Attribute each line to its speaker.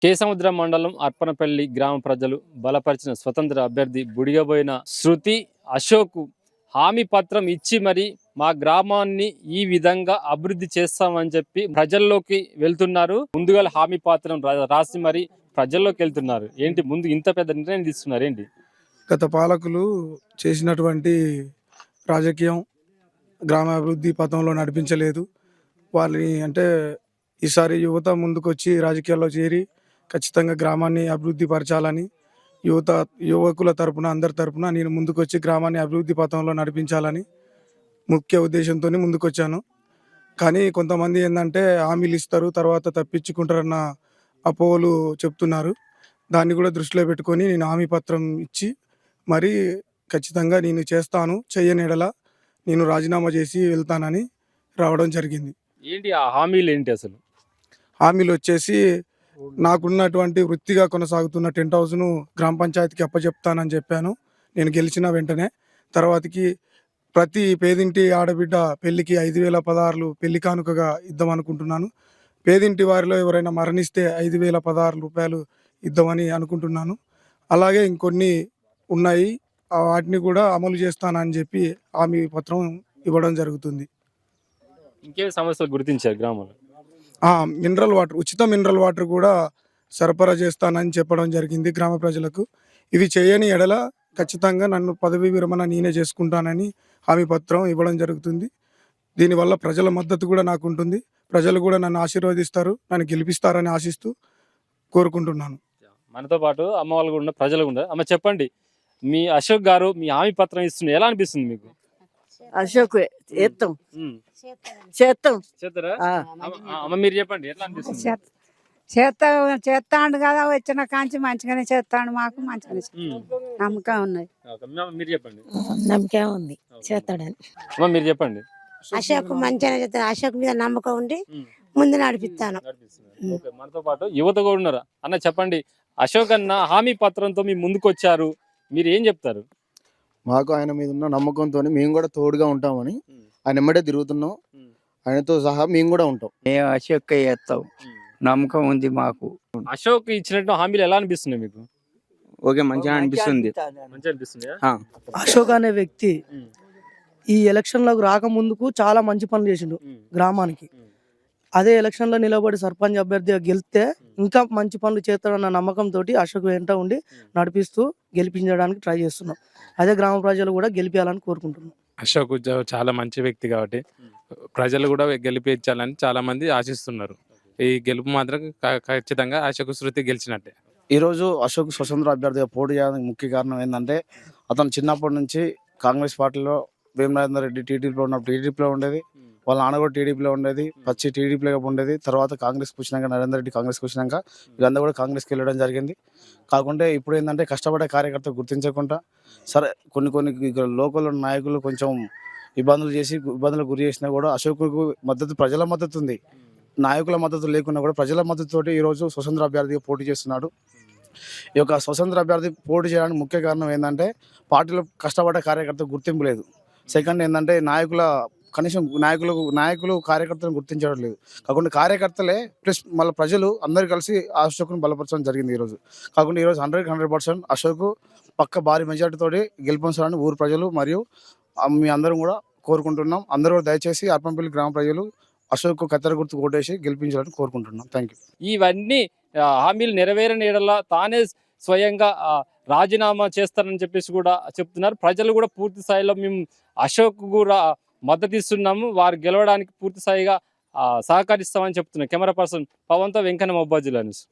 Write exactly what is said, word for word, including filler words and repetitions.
Speaker 1: కేసముద్రం మండలం అర్పనపల్లి గ్రామ ప్రజలు బలపరిచిన స్వతంత్ర అభ్యర్థి బుడిగబోయిన శృతి అశోక్ హామీ పత్రం ఇచ్చి మరి మా గ్రామాన్ని ఈ విధంగా అభివృద్ధి చేస్తామని చెప్పి ప్రజల్లోకి వెళ్తున్నారు. ముందుగా హామీ పత్రం రాసి మరి ప్రజల్లోకి వెళ్తున్నారు. ఏంటి ముందు ఇంత పెద్ద నిర్ణయం తీసుకున్నారు ఏంటి?
Speaker 2: గత పాలకులు చేసినటువంటి రాజకీయం గ్రామాభివృద్ధి పథంలో నడిపించలేదు. వాళ్ళని అంటే ఈసారి యువత ముందుకొచ్చి రాజకీయాల్లో చేరి ఖచ్చితంగా గ్రామాన్ని అభివృద్ధి పరచాలని యువత యువకుల తరపున అందరి తరపున నేను ముందుకొచ్చి గ్రామాన్ని అభివృద్ధి పథంలో నడిపించాలని ముఖ్య ఉద్దేశంతో ముందుకొచ్చాను. కానీ కొంతమంది ఏంటంటే హామీలు ఇస్తారు, తర్వాత తప్పించుకుంటారన్న అపోహలు చెప్తున్నారు. దాన్ని కూడా దృష్టిలో పెట్టుకొని నేను హామీ పత్రం ఇచ్చి మరి ఖచ్చితంగా నేను చేస్తాను, చెయ్యని ఎడల నేను రాజీనామా చేసి వెళ్తానని రావడం జరిగింది.
Speaker 1: ఏంటి ఆ హామీలు ఏంటి అసలు?
Speaker 2: హామీలు వచ్చేసి నాకున్నటువంటి వృత్తిగా కొనసాగుతున్న టెంట్ హౌస్ను గ్రామ పంచాయతీకి అప్పచెప్తానని చెప్పాను నేను గెలిచిన వెంటనే. తర్వాతకి ప్రతి పేదింటి ఆడబిడ్డ పెళ్లికి ఐదు వేల పదహారులు పెళ్లి కానుకగా ఇద్దామనుకుంటున్నాను. పేదింటి వారిలో ఎవరైనా మరణిస్తే ఐదు వేల పదహారు రూపాయలు ఇద్దామని అనుకుంటున్నాను. అలాగే ఇంకొన్ని ఉన్నాయి, వాటిని కూడా అమలు చేస్తానని చెప్పి హామీ పత్రం ఇవ్వడం జరుగుతుంది.
Speaker 1: ఇంకే సమస్యలు గుర్తించారు గ్రామంలో?
Speaker 2: మినరల్ వాటర్, ఉచిత మినరల్ వాటర్ కూడా సరఫరా చేస్తానని చెప్పడం జరిగింది గ్రామ ప్రజలకు. ఇవి చేయని ఎడల ఖచ్చితంగా నన్ను పదవీ విరమణ నేనే చేసుకుంటానని హామీ పత్రం ఇవ్వడం జరుగుతుంది. దీనివల్ల ప్రజల మద్దతు కూడా నాకు ఉంటుంది. ప్రజలు కూడా నన్ను ఆశీర్వదిస్తారు, నన్ను గెలిపిస్తారని ఆశిస్తూ కోరుకుంటున్నాను.
Speaker 1: మనతో పాటు అమ్మ వాళ్ళు కూడా ప్రజలు కూడా. అమ్మ చెప్పండి, మీ అశోక్ గారు మీ హామీ పత్రం ఇస్తున్నారు, ఎలా అనిపిస్తుంది మీకు?
Speaker 3: అశోక్ ఎత్తాం చేస్తాం
Speaker 1: చేస్తారా? అమ్మ మీరు చెప్పండి, ఎట్లా అనిపిస్తుంది?
Speaker 3: చేస్తా చేస్తాడు కదా, వచ్చిన కాంచి మంచిగానే చేస్తాడు, మాకు మంచిగానే నమ్మకం ఉన్నది.
Speaker 1: మీరు చెప్పండి.
Speaker 4: నమ్మకం ఉంది చేస్తాడని.
Speaker 1: అమ్మ మీరు చెప్పండి.
Speaker 4: అశోక్ మంచిగానే చేస్తాడు, అశోక్ మీద నమ్మకం ఉండి ముందు నడిపిస్తాను.
Speaker 1: మనతో పాటు యువత కూడా ఉన్నారా? అన్న చెప్పండి, అశోక్ అన్న హామీ పత్రంతో మీ ముందుకు వచ్చారు, మీరు ఏం చెప్తారు?
Speaker 5: మాకు ఆయన మీద ఉన్న నమ్మకంతో మేము కూడా తోడుగా ఉంటామని ఆయన ఎమ్మడే తిరుగుతున్నాం. ఆయనతో సహా మేము కూడా ఉంటాం.
Speaker 6: మేము అశోక్ చేస్తాం, నమ్మకం ఉంది మాకు.
Speaker 1: అశోక్ ఇచ్చినట్టు హామీలు ఎలా అనిపిస్తున్నాయి మీకు?
Speaker 6: ఓకే, మంచిగా అనిపిస్తుంది.
Speaker 1: మంచిగా అనిపిస్తుంది.
Speaker 7: అశోక్ అనే వ్యక్తి ఈ ఎలక్షన్లకు రాకముందుకు చాలా మంచి పనులు చేసిండు గ్రామానికి. అదే ఎలక్షన్లో నిలబడి సర్పంచ్ అభ్యర్థిగా గెలిస్తే ఇంకా మంచి పనులు చేస్తాడన్న నమ్మకంతో అశోక్ వెంట ఉండి నడిపిస్తూ గెలిపించడానికి ట్రై చేస్తున్నాం. అదే గ్రామ ప్రజలు కూడా గెలిపించాలని కోరుకుంటున్నాం.
Speaker 8: అశోక్ చాలా మంచి వ్యక్తి కాబట్టి ప్రజలు కూడా గెలిపించాలని చాలా మంది ఆశిస్తున్నారు. ఈ గెలుపు మాత్రం ఖచ్చితంగా అశోక్ శృతి గెలిచినట్టే.
Speaker 5: ఈరోజు అశోక్ స్వతంత్ర అభ్యర్థిగా పోటీ చేయడానికి ముఖ్య కారణం ఏంటంటే అతను చిన్నప్పటి నుంచి కాంగ్రెస్ పార్టీలో వేమరాజేందర్ రెడ్డి టీడీపీలో ఉన్నప్పుడు టీడీపీలో ఉండేది, వాళ్ళ నాన్న కూడా టీడీపీలో ఉండేది, పచ్చి టీడీపీలో ఉండేది. తర్వాత కాంగ్రెస్కి వచ్చినాక నరేందర్ రెడ్డి కాంగ్రెస్కి వచ్చినాక వీళ్ళందరూ కూడా కాంగ్రెస్కి వెళ్ళడం జరిగింది. కాకుండా ఇప్పుడు ఏంటంటే కష్టపడే కార్యకర్త గుర్తించకుండా సరే కొన్ని కొన్ని లోకల్ నాయకులు కొంచెం ఇబ్బందులు చేసి ఇబ్బందులకు గురి చేసినా కూడా అశోక్కు మద్దతు ప్రజల మద్దతు ఉంది. నాయకుల మద్దతు లేకున్నా కూడా ప్రజల మద్దతుతోటి ఈరోజు స్వతంత్ర అభ్యర్థిగా పోటీ చేస్తున్నాడు. ఈ యొక్క స్వతంత్ర అభ్యర్థి పోటీ చేయడానికి ముఖ్య కారణం ఏంటంటే పార్టీలో కష్టపడే కార్యకర్త గుర్తింపు లేదు. సెకండ్ ఏంటంటే నాయకుల కనీసం నాయకులు నాయకులు కార్యకర్తలను గుర్తించడం లేదు. కాకుండా కార్యకర్తలే ప్లస్ మళ్ళీ ప్రజలు అందరు కలిసి అశోక్ను బలపరచడం జరిగింది ఈరోజు. కాకుండా ఈరోజు హండ్రెడ్ హండ్రెడ్ పర్సెంట్ అశోక్ పక్క భారీ మెజార్టీతోటి గెలిపించాలని ఊరు ప్రజలు మరియు మీ అందరం కూడా కోరుకుంటున్నాం. అందరూ కూడా దయచేసి అర్పనపల్లి గ్రామ ప్రజలు అశోక్ కత్తెర గుర్తు ఓటేసి గెలిపించాలని కోరుకుంటున్నాం. Thank you.
Speaker 1: ఇవన్నీ హామీలు నెరవేరని ఎడల తానే స్వయంగా రాజీనామా చేస్తారని చెప్పేసి కూడా చెప్తున్నారు. ప్రజలు కూడా పూర్తి స్థాయిలో మేము అశోక్ కూడా మద్దతు ఇస్తున్నాము, వారు గెలవడానికి పూర్తి స్థాయిగా సహకరిస్తామని చెప్తున్నారు. కెమెరా పర్సన్ పవన్తో వెంకన్న మొబ్బాజిలా న్యూస్.